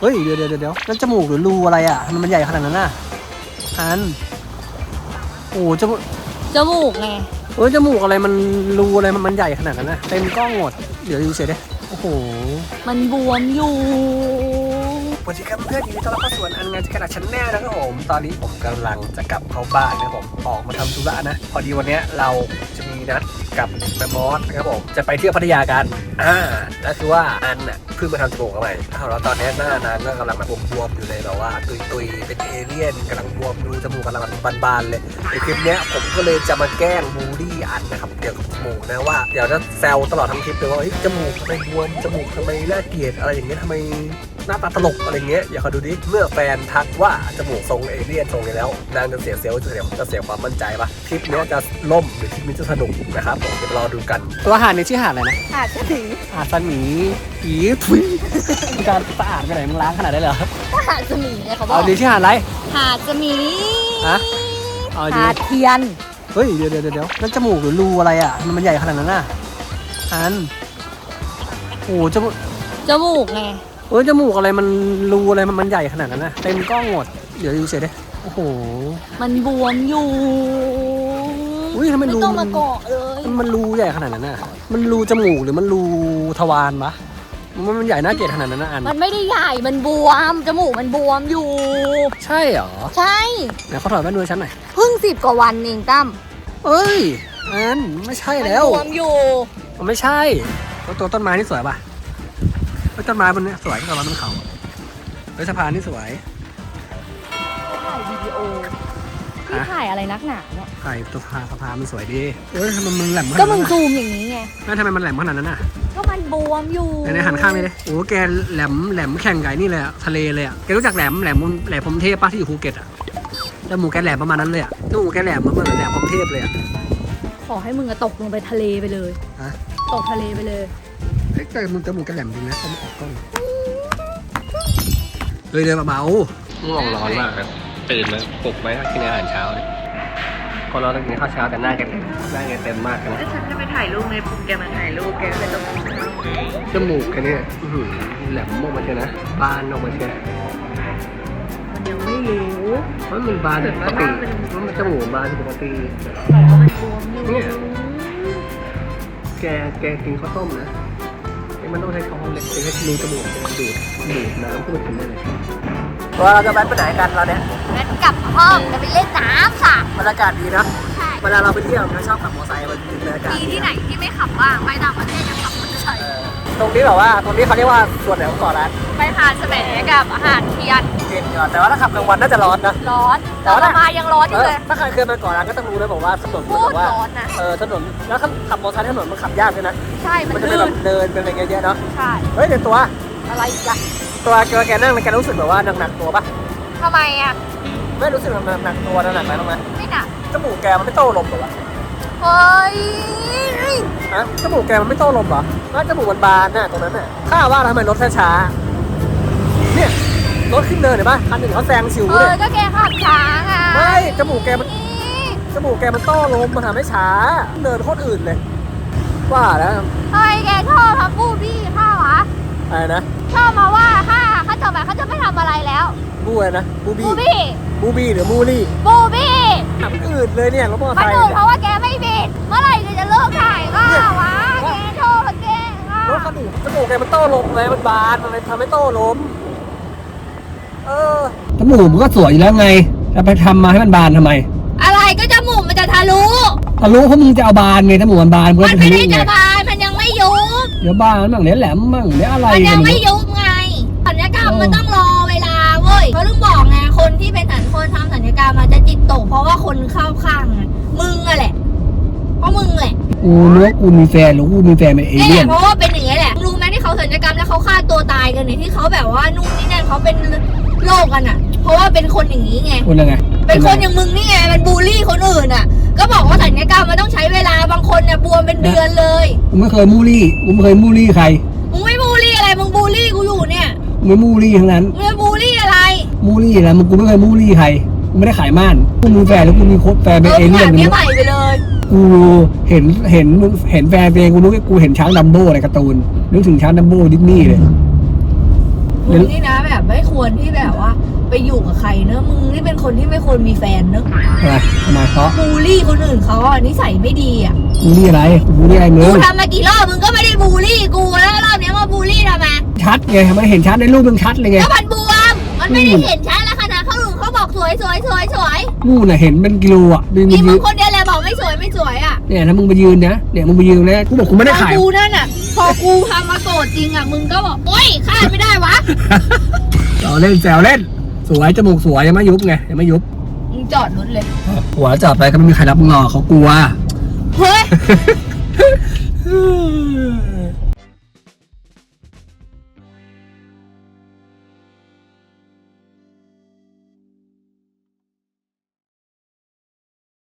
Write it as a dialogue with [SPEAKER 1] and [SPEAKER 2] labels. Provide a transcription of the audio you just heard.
[SPEAKER 1] เฮ้ยเดี๋ยวนั่นจมูกหรือรูอะไรอ่ะทำไมมันใหญ่ขนาดนั้นน่ะอันโอ้จมูก
[SPEAKER 2] ไง
[SPEAKER 1] จมูกอะไรมันรูอะไรมันใหญ่ขนาดนั้นนะเต็มกล้องหมดเดี๋ยวดูเฉยดิโอ้โห
[SPEAKER 2] มันบวมอยู่
[SPEAKER 1] สวัสดีครับเพื่อนยินดีต้อนรับเข้าสู่อันงานกระดาษชั้นแน่นะครับผมตอนนี้ผมกำลังจะกลับเข้าบ้านนะครับผมออกมาทำธุระนะพอดีวันนี้เราจะมีนัดกับแม่มอสนะครับผมจะไปเที่ยวพัทยากันนั่นคือว่าอันน่ะเพิ่งมาทำจมูกใหม่แล้วตอนนี้หน้านางก็กำลังแบบบวมๆอยู่เลยแบบว่าตุยๆเป็นเอเลี่ยนกำลังบวมดูจมูกกำลังบานๆเลยในคลิปนี้ผมก็เลยจะมาแกล้งบูลลี่อันนะครับเกี่ยวกับจมูกนะว่าเดี๋ยวจะแซวตลอดทั้งคลิปเลยว่าจมูกทำไมบวมจมูกทำไมน่าเกลียดอะไรอย่างเงี้ยทำไมหน้าตาตลกอะไรเงี้ยอย่าคอยดูดิเมื่อแฟนทักว่าจมูกทรงเอเลี่ยนทรงนี้แล้วนางจะเสียเซลล์จะเสียความมั่นใจปะคลิปนี้จะล่มหรือคลิปนี้จะสนุกนะครับผมเดี๋ยวรอดูกันตัวหาดนี้ชื่อหาดอะไรนะ
[SPEAKER 2] หาดสมี
[SPEAKER 1] สมีผีทุยการสะอาดไปไหนมึงล้างขนาดได้เหรอ
[SPEAKER 2] หาดสมีเนี่ยเขาบอก
[SPEAKER 1] เอาดีชื่อหาดอะไร
[SPEAKER 2] หาดสมี
[SPEAKER 1] ฮะ
[SPEAKER 2] หาดเทียน
[SPEAKER 1] เฮ้ยเดี๋ยวนั่นจมูกหรือรูอะไรอ่ะมันใหญ่ขนาดนั้นน่ะอันโอ้จ
[SPEAKER 2] มูกไง
[SPEAKER 1] จมูกอะไรมันรูอะไรมันใหญ่ขนาดนั้นนะเต็มกล้องหมดเดี๋ยวดูเฉยดิโอ้โห
[SPEAKER 2] มันบวมอยู่
[SPEAKER 1] ทำไมรู
[SPEAKER 2] ไม่ต้องมาเกาะเลย
[SPEAKER 1] มันรูใหญ่ขนาดนั้นน่ะมันรูจมูกหรือมันรูทวารปะมันใหญ่น่าเกลียดขนาดนั้นนะอัน
[SPEAKER 2] มันไม่ได้ใหญ่มันบวมจมูกมันบวมอยู่
[SPEAKER 1] ใช่เหรอ
[SPEAKER 2] ใช่
[SPEAKER 1] ไหนเขาถอดแว่นดูฉันหน่อย
[SPEAKER 2] เพิ่ง10 กว่าวันเองตั้ม
[SPEAKER 1] เอ้ยอันไม่ใช่แล้ว
[SPEAKER 2] บวมอยู่
[SPEAKER 1] มันไม่ใช่ตัวต้นไม้นี่สวยป่ะต้นไม้บนนี้สวยกับมันเขาสะพานนี่สวย
[SPEAKER 2] ถ่ายวิดีโอพี่ถ่ายอะไรนักหนาเนี่ย
[SPEAKER 1] ถ่ายตัวสะพานมันสวยดีทำไมมันแหลม
[SPEAKER 2] ก็มึงซูมอย่างนี้ไง
[SPEAKER 1] แล้วทำไมมันแหลมขนาดนั้นน่ะ
[SPEAKER 2] ก็มันบวมอยู่
[SPEAKER 1] ในหันข้างนี่เลยโอ้แกแหลมแข่งไก่นี่เลยทะเลเลยอ่ะแกรู้จักแหลมพรหมเทพป้าที่อยู่ภูเก็ตอ่ะจมูกแกแหลมประมาณนั้นเลยอ่ะจมูกแกแหลมเหมือนแหลมพรหมเทพเลยอ่ะ
[SPEAKER 2] ขอให้มึงตกลงไปทะเลไปเลยตกทะเลไปเลย
[SPEAKER 1] แต่มึงจมูกแกแหลมจริงนะเขาไม่ออกกล้องเลยเดินเบาๆง่วงร้อนมากตื่นแล้วปลุกไหมกินอาหารเช้าเนี่ยพอเราต้องกินข้าวเช้าแต่หน้าแกเต็มมากเลย
[SPEAKER 2] ฉันจะไปถ่ายรูปในปุ๊บแกมาถ่ายรูปแกเป็นต้อง
[SPEAKER 1] จมูกแกเนี่ยแหลมออกมาเชียวนะบานออกมาเชียว
[SPEAKER 2] มันยังไม่รู้
[SPEAKER 1] มันบานปกติมันจมูกบานปกติเนี่ยแกกินข้าวต้มนะมันต้องใช้ช้อนเล็กใช้รูจมูกดูดน้ำขึ้นมากินได้เลยเราจะแวะไปไหนกันเราเนี่ย
[SPEAKER 2] แวะกลับห้องจะไปเล่นน้ำค่ะ
[SPEAKER 1] บรรยากาศดีนะเวลาเราไปเที่ยวเราชอบขับมอเตอร์ไซค์มันบรรยากาศ
[SPEAKER 2] ที่ไหนที่ไม่ขับบ้างไปต่างประเทศจะขับมอเตอร์ไซค์
[SPEAKER 1] ตรงนี้แบบว่าตรงนี้เขาเรียกว่าส่วนไหนของเกาะล้าน
[SPEAKER 2] ไปหาดแสมกับหาดเทียน
[SPEAKER 1] แต่ว่าถ้าขับกลางวันน่าจะร้อนนะ
[SPEAKER 2] ร้อนแต่ว่ามายังร้อนอยู่เลย
[SPEAKER 1] ถ้าใครเคยมาเกาะล้านก็ต้องรู้เลยบอกว่าถนนมันแบบว่าถนนแล้วขับมอเตอร์ไซค์ถนนมันขับยากด้วยนะ
[SPEAKER 2] ใช่มัน
[SPEAKER 1] จะเป็นแบบเดินเป็นอะไรเงี้ยเนาะ
[SPEAKER 2] ใช่
[SPEAKER 1] เฮ้ยเดี๋ยวตัว
[SPEAKER 2] อะไรอีกอะ
[SPEAKER 1] ตัวแกนั่งแกรู้สึกแบบว่าหนักตัวปะ
[SPEAKER 2] ทำไมอะ
[SPEAKER 1] ไม่รู้สึกหนักตัวหนักไหมไหม
[SPEAKER 2] ไม่หนัก
[SPEAKER 1] จมูกแกมันไม่โต้ลมหรอวะ
[SPEAKER 2] เฮ้ย
[SPEAKER 1] จมูกแกมันไม่โต้ลมเหรอน่าจมูกมันบานน่ะตรงนั้นน่ะข้าว่าทำไมรถช้าเนี่ยรถขึ้นเนินเห็นปะคันหนึ่งเขาแซงชิวเลย
[SPEAKER 2] ก็แกขับช้าไง
[SPEAKER 1] ไม่จมูกแกมันโต้ลมมันทำให้ช้าเนินโคตรอื่นเลยว่าแล้ว
[SPEAKER 2] ไอ้แกชอบทำบูบี้ข้าวะ
[SPEAKER 1] อะไรนะ
[SPEAKER 2] ชอบมาว่าเขาจะแบบเขาจะไม่ทำอะไรแล้ว
[SPEAKER 1] บูอะไรนะบูบี้หรือมูลี่
[SPEAKER 2] บูบี้
[SPEAKER 1] ทำอื่นเลยเนี่ยรถมอเตอร์ไซค์
[SPEAKER 2] เพราะว่าแกไม่บิดเมื่อไหร่จะเลิกถ่ายก็วะแกชอบแก
[SPEAKER 1] รถคันอื่นจมูกแกมันโต้ลมเลยมันบานมันทำให้โต้ลมจมูกมันก็สวยอยู่แล้วไงจะไปทำมาให้มันบานทำไม
[SPEAKER 2] อะไรก็จมูกมันจะทะลุ
[SPEAKER 1] เพราะมึงจะเอาบานไงจมูกมันบาน
[SPEAKER 2] มันไม่ได้จะบานมันยังไม่ยุบ
[SPEAKER 1] เดี๋ยวบานมั่งเดี๋ยวแหลมมั่งเดี๋ยวอะไร
[SPEAKER 2] มันยังไม่ยุบไงศัลยกรรมมันต้องรอเวลาเว้ยเขาต้องบอกไงคนที่เป็นคนทำศัลยกรรมมันจะจิตตกเพราะว่าคนเข้าข้างมึงอะแหละเพราะมึงแหละ
[SPEAKER 1] กูรู้ว่ากูมีแฟนหรือกูมีแฟนเป็นเอเลี่ยน
[SPEAKER 2] เพราะว่าเป็นอย่างนี้แหละรู้ไหมที่เขาศัลยกรรมแล้วเขาฆ่าตัวตายกันเนี่ยที่เขาแบบว่านู่นนี่นั่นเขาเป็นโรคกันอ่ะเพราะว่าเป็นคนอย่างนี้ไง
[SPEAKER 1] คนยังไง
[SPEAKER 2] เป็นคนอย่างมึงนี่ไงมันบูลลี่คนอื่นอ่ะก็บอกว่าศัลยกรรมมันต้องใช้เวลาบางคนเนี่ยบวมเป็นเดือนเลย
[SPEAKER 1] กูไม่เคยมูลี่ใคร
[SPEAKER 2] มึงไม่บูลลี่อะไรมึงบูลลี่กูอยู่เนี่ย
[SPEAKER 1] มึงไม่มูลี่ทั้งนั้น
[SPEAKER 2] มึงบูลลี่อะไร
[SPEAKER 1] มึงกูไม่เคยมูลี่ใครกูไม่ได้ขายม่านกูมีแฟนแล้วกูมีแฟนเป็นเอเลี่ยน
[SPEAKER 2] นี่ใหม่ไปเลย
[SPEAKER 1] กูเห็นแฟนเองกูเห็นช้างดัมโบ้ในการ์ตูนนึกถึงช้างดัมโบ้ดิสนีย์เลย
[SPEAKER 2] มึงนี่นะแบบไม่ควรที่แบบว่าไปอยู่กับใครเนอะมึงนี่เป็นคนที่ไม่ควรมีแฟนเนอะ
[SPEAKER 1] อะไรทำไมเพราะ
[SPEAKER 2] บูลลี่คนอื่นเขาอ่ะนิสัยไม่ดีอ่ะ
[SPEAKER 1] บูลลี่อะไรบูลลี่อะไรมึ
[SPEAKER 2] กู
[SPEAKER 1] ง
[SPEAKER 2] ทำมากี่รอบมึงก็ไม่ได้บูลลี่กูแล้วรอบเนี้ยมาบูลลี่ทำไม
[SPEAKER 1] ชัดไงมันเห็นชัดในรูปมึงชัดเลยไง
[SPEAKER 2] ก็มันบวมมันไม่ได้เห็นชัดแล้วขนาดเขาหลุมเขาบอกสวยสวยสวยสวย
[SPEAKER 1] นู่นน่ะเห็นเป็นกิโลอ่ะมึง
[SPEAKER 2] นี่มึ
[SPEAKER 1] ยื
[SPEAKER 2] ง
[SPEAKER 1] น
[SPEAKER 2] คนเดียวแหละบอกไม่สวยไม่สวยอ่ะ
[SPEAKER 1] เนี่ยถ้ามึงไปยืนนะเนี่ยมึงไปยืนนะกูบอกกูไม่ได้ขาย
[SPEAKER 2] กูนั่นอ่ะพอกูทำมาโกรธจริงอ่ะมึงก็บอกโอ๊ยคาดไม่ได้วะ
[SPEAKER 1] เราเล่นแซวเล่นสวยจมูกสวยยังไม่ยุบไงยังไม่ยุบ
[SPEAKER 2] มึงจอดรถเลย
[SPEAKER 1] หัวจับไปก็ไม่มีใครรับมึงหรอกเขากลัว
[SPEAKER 2] เฮ้ย